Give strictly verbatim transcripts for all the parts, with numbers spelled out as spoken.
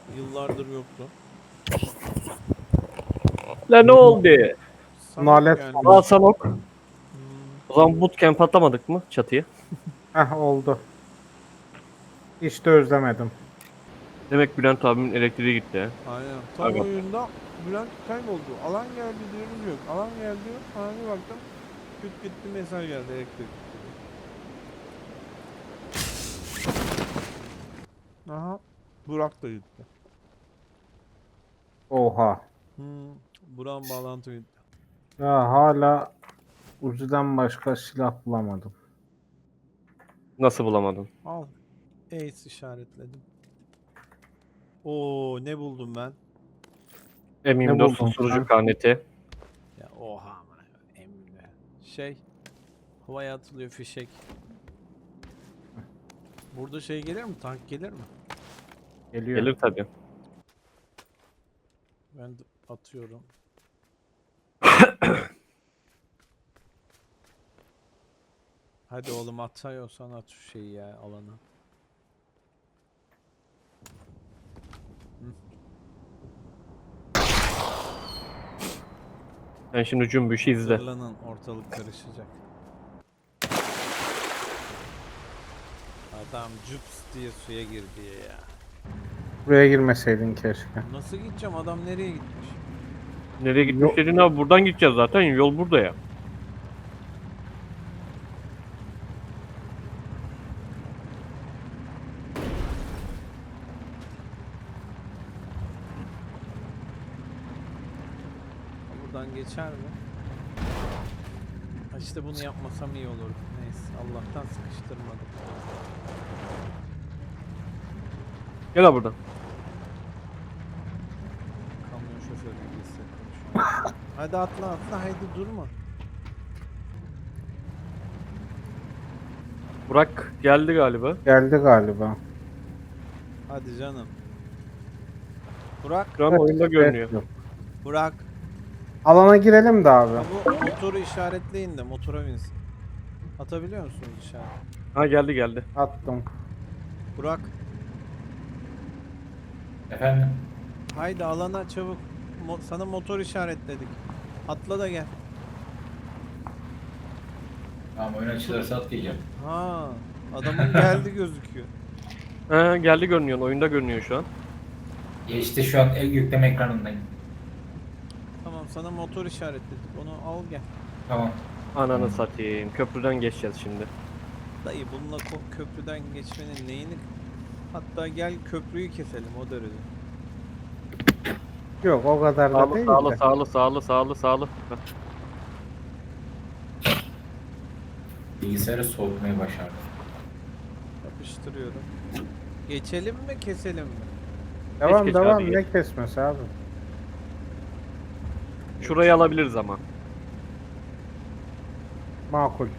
Yıllardır yoktu. La ne oldu? Sanok Nalet yani. falan. Aa Sanok. Hmm, O zaman bootcamp atlamadık mı çatıya? Heh oldu. Hiç de özlemedim. Demek Bülent abimin elektriği gitti he. aynen. Tam Aga. oyunda Bülent kayboldu. Alan geldi diyoruz yok. Alan geldi diyor. Sonra bir baktım. Küt gitti mesaj geldi elektrik gitti. Aha. Burak da gitti. Oha. Hmm. Burak'ın bağlantı gitti. Ya hala Uzi'den başka silah bulamadım. Nasıl bulamadın? Al. Ace işaretledim. Oo ne buldum ben? M Ne yirmi dört buldun susturucu sen? karneti. Ya oha amına emmi. Şey havaya atılıyor fişek. Burada şey gelir mi? Tank gelir mi? Geliyor. Gelir tabi. Ben de atıyorum. Hadi oğlum atıyorsan at şu şeyi ya alana. Sen şimdi cümbüşü izle. Hazırlanın ortalık karışacak. Adam cups diye suya girdi ya. Buraya girmeseydin keşke. Nasıl gideceğim? Adam nereye gitmiş? Nereye gitmiş Yok. dedin abi, buradan gideceğiz zaten, yol burada ya. Buradan geçer mi? Ha İşte bunu yapmasam iyi olurdu. Neyse Allah'tan sıkıştırmadım. Gel abi buradan. Kamyon şoförü gibi hissettim şu an. Hadi atla atla haydi durma. Burak geldi galiba. Geldi galiba. Hadi canım. Burak, Şu an oyunda görünüyor. Yok. Burak. Alana girelim de abi. Ha bu motoru işaretleyin de motora binsin. Atabiliyor musunuz işaret? Ha geldi geldi. Attım. Burak, Efendim? haydi alana çabuk. Mo- sana motor işaretledik. Atla da gel. Tamam, oyun açılırsa atlayacağım. Ha, adamın geldi gözüküyor. Ha geldi görünüyor. Oyunda görünüyor şu an. Geçti, şu an el yükleme ekranındayım. Tamam sana motor işaretledik. Onu al gel. Tamam. Ananı satayım. Köprüden geçeceğiz şimdi. Dayı bununla ko- köprüden geçmenin neyini... Hatta gel köprüyü keselim o derece. Yok o kadar da Sağlı değil sağlı de. sağlı sağlı sağlı sağlı. Heh. Bilgisayarı soğutmayı başardım. Yapıştırıyorum. Geçelim mi keselim mi? Devam geç devam abi, ne geç. kesmesi abi. Şurayı alabiliriz ama. Makul.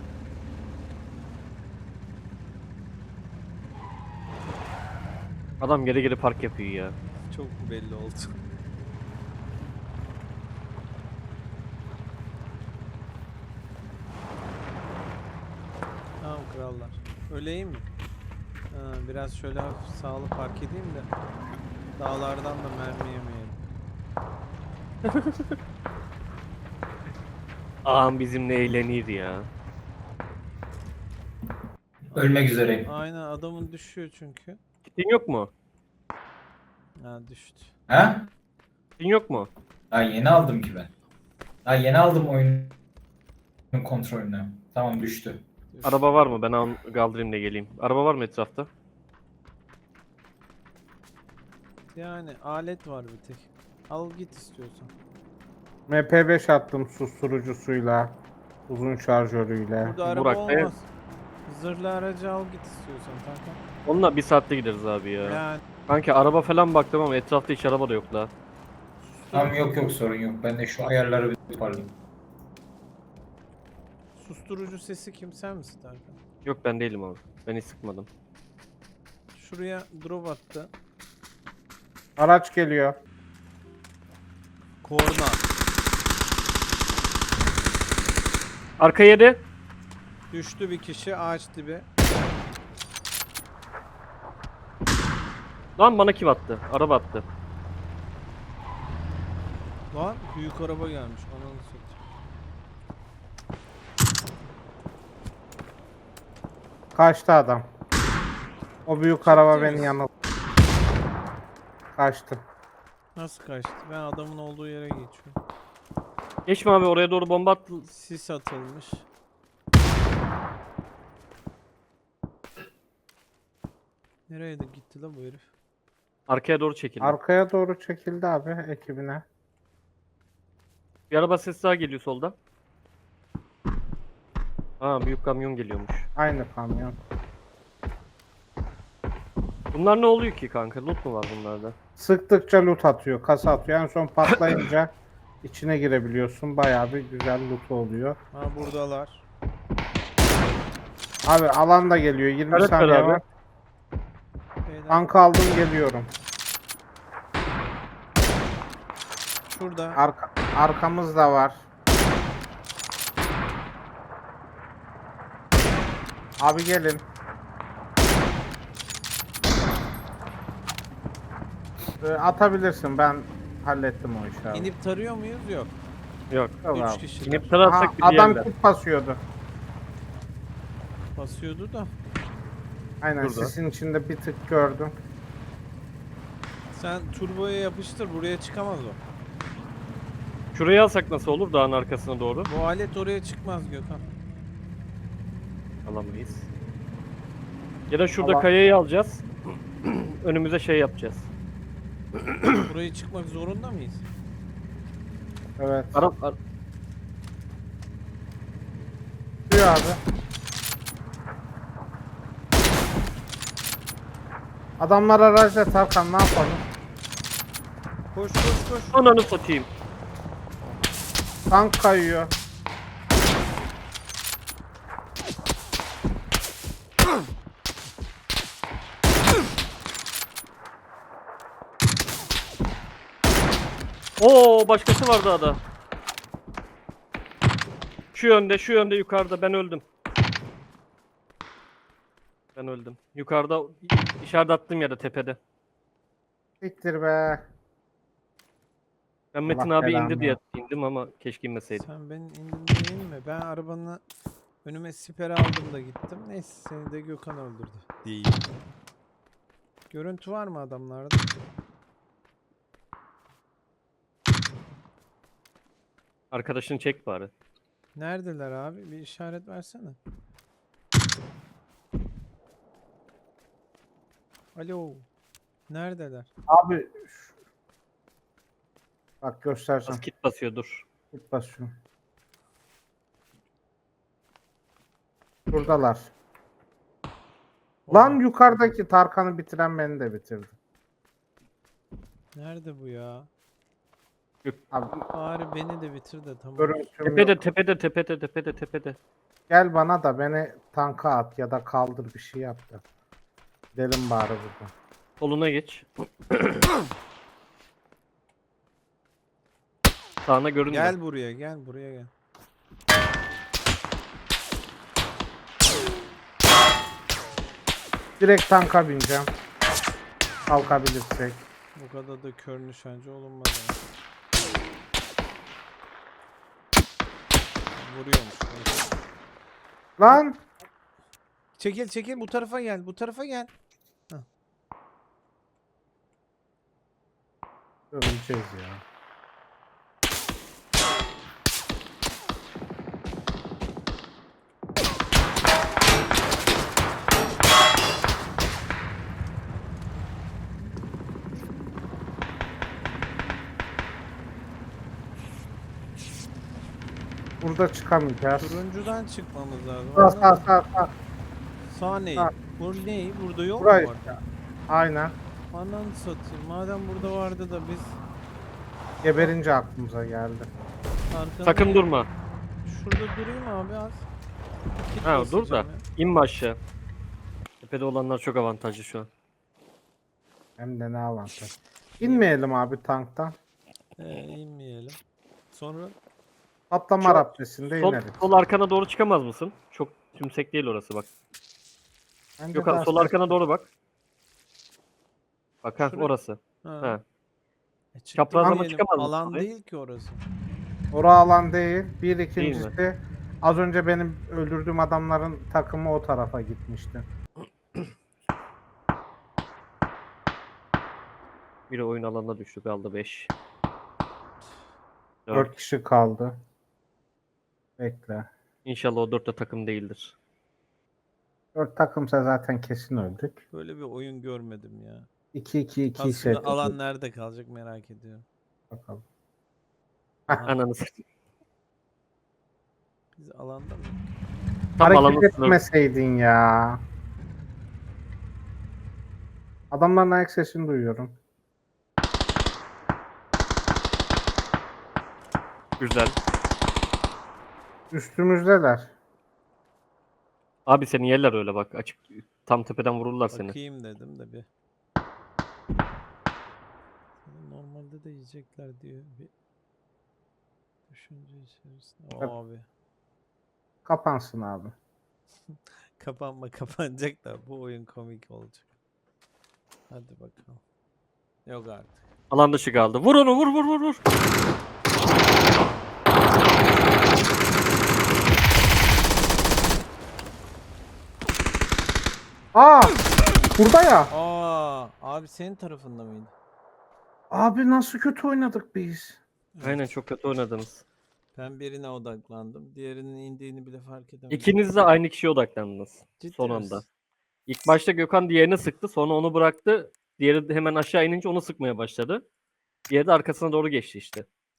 Adam geri geri park yapıyor ya. Çok belli oldu. Tamam krallar. Öleyim mi? Ha, biraz şöyle hafif sağlı park edeyim de dağlardan da mermi yemeyelim. Ağam bizimle eğlenir ya. Ölmek üzereyim. Aynen adamın düşüyor çünkü. Kitin yok mu? Ha düştü. Ha? Kitin yok mu? Daha yeni aldım ki ben. Daha yeni aldım oyunun kontrolünü. Tamam, düştü. düştü. Araba var mı? Ben al kaldırayım da geleyim. Araba var mı etrafta? Yani alet var bir tek. Al git istiyorsan. M P beş attım susturucusuyla. Uzun şarjörüyle. Burada araba Burak Bey. olmaz. Zırhlı aracı al git istiyorsan kanka. Onunla bir saatte gideriz abi ya. Yani Kanki araba falan baktım ama etrafta hiç araba da yok la. Tamam, yok yok, sorun yok. Ben de şu ayarları bir toparlayayım. susturucu sesi kim sen misin Tarkan? Yok ben değilim abi. Ben hiç sıkmadım. Şuraya drop attı. Araç geliyor. Korna. Arka yedi. Düştü bir kişi ağaç dibi. Lan bana kim attı? Araba attı. Lan büyük araba gelmiş. Ananı satayım. Kaçtı adam. O büyük araba Ciddi beni misin? yanılttı. Kaçtı. Nasıl kaçtı? Ben adamın olduğu yere geçiyorum. Geçme abi, oraya doğru bomba attı. Sis atılmış. Nereye de gitti la bu herif? Arkaya doğru çekildi. Arkaya doğru çekildi abi ekibine. Bir araba sesi daha geliyor soldan. Ha, büyük kamyon geliyormuş. Aynı kamyon. Bunlar ne oluyor ki kanka? Loot mu var bunlarda? Sıktıkça loot atıyor, kasa atıyor. En son patlayınca içine girebiliyorsun. Bayağı bir güzel loot oluyor. Ha buradalar. Abi alan da geliyor. yirmi Evet, saniye beraber. var. Beyler, Tank aldım geliyorum. şurada. Arka, arkamız da var. Abi gelin. Ee, atabilirsin, ben hallettim o işi abi. İnip tarıyor muyuz? Yok. Yok. Yok Üç abi. kişiler. İnip Aha, tararsak bir adam yerler. kit basıyordu. Basıyordu da. Aynen Burada. sisin içinde bir tık gördüm. Sen turboya yapıştır. Buraya çıkamaz o. Şurayı alsak nasıl olur, dağın arkasına doğru? Bu alet oraya çıkmaz Gökhan. Alamayız. Ya da şurada Ama- kayayı alacağız. Önümüze şey yapacağız. Buraya çıkmak zorunda mıyız? Evet. Ara, ar- Diyor abi. Adamlar aracda, Tarkan ne yapalım? Koş koş koş. Ananı satayım. Tank kayıyor. Oo, başkası var dağda. Şu yönde, şu yönde, yukarıda. Ben öldüm. Ben öldüm. Yukarıda işaret attığım yerde, tepede. Siktir be. Ben Metin Allah abi belanı indi diye ver. indim ama keşke inmeseydim. Sen benim indim değil mi? Ben arabanı önüme siper aldım da gittim. Neyse seni de Gökhan öldürdü. Değil. Görüntü var mı adamlarda? Arkadaşını çek bari. Neredeler abi? Bir işaret versene. Alo. Neredeler? Abi şu- bak göstereceğim. Az kit basıyor, dur. Git basıyorum. Buradalar. Lan yukarıdaki Tarkan'ı bitiren beni de bitirdi. Nerede bu ya? Abi Bari beni de bitir de tamam. görüntüm Tepede, yok. tepede, tepede, tepede, tepede. Gel bana da beni tanka at ya da kaldır, bir şey yap da. Gidelim bari buradan. Soluna geç. Sağına görünmüyor. Gel buraya gel buraya gel. Direkt tanka bineceğim. Kalkabilirsek. Bu kadar da kör nişancı olunmaz yani. Vuruyormuş. neyse. Lan! Çekil çekil bu tarafa gel bu tarafa gel. Öleceğiz ya. Burada çıkamayacağız. Turuncudan çıkmamız lazım. Sağ sağ Anladın mı? sağ sağ. Sağ ne? Sağ. Bu ne? Burada yol mu Burayı. var? Aynen. Ananı satayım. Madem burada vardı da biz Geberince aklımıza geldi. arkana... Sakın durma. Şurada durayım abi az. Kit Ha, dur da. basacağım ya. İnme aşağı. Tepede olanlar çok avantajlı şu an. Hem de ne avantaj. İnmeyelim abi tanktan. Ee, inmeyelim. Sonra Patlama Çok- raptesinde Sol, ineriz. sol arkana doğru çıkamaz mısın? Çok tümsek değil orası bak. Bence Gökhan daha sol ses- arkana doğru bak. Bak Bak ha Şuraya- orası. Ha. Ha. E çıktım Çaprazlama diyelim, çıkamaz mısın alan oraya? değil ki orası. Ora alan değil. Bir mi? ikincisi az önce benim öldürdüğüm adamların takımı o tarafa gitmişti. Biri oyun alanına düştü, kaldı beş. Dört kişi kaldı. Bekle. İnşallah o dört de takım değildir. Dört takımsa zaten kesin öldük. Böyle bir oyun görmedim ya. iki iki iki Aslında ise alan nerede kalacak merak ediyorum. bakalım. Aha, Ananı satayım. biz alanda mı? Tam alanın Hareket sınırı. etmeseydin ya. Adamların ayak sesini duyuyorum. Güzel. Üstümüzdeler. Abi seni yerler öyle bak. Açık tam tepeden vururlar seni. Bakayım dedim de bir. Normalde de yiyecekler diyor bir düşünce içerisinde. Tabii. Abi Kapansın abi. kapanma kapanacak da bu oyun komik olacak. Hadi bakalım. Yok artık. Alan dışı kaldı. Vur onu, vur vur vur vur. Aa! Burada ya. Aa, abi senin tarafında mıydı? Abi nasıl kötü oynadık biz. Aynen, çok kötü oynadınız. Ben birine odaklandım. Diğerinin indiğini bile fark edemedim. İkiniz de aynı kişiye odaklandınız. Ciddi Son misin? anda. İlk başta Gökhan diğerini sıktı. Sonra onu bıraktı. Diğeri de hemen aşağı inince onu sıkmaya başladı. Diğeri de arkasına doğru geçti işte.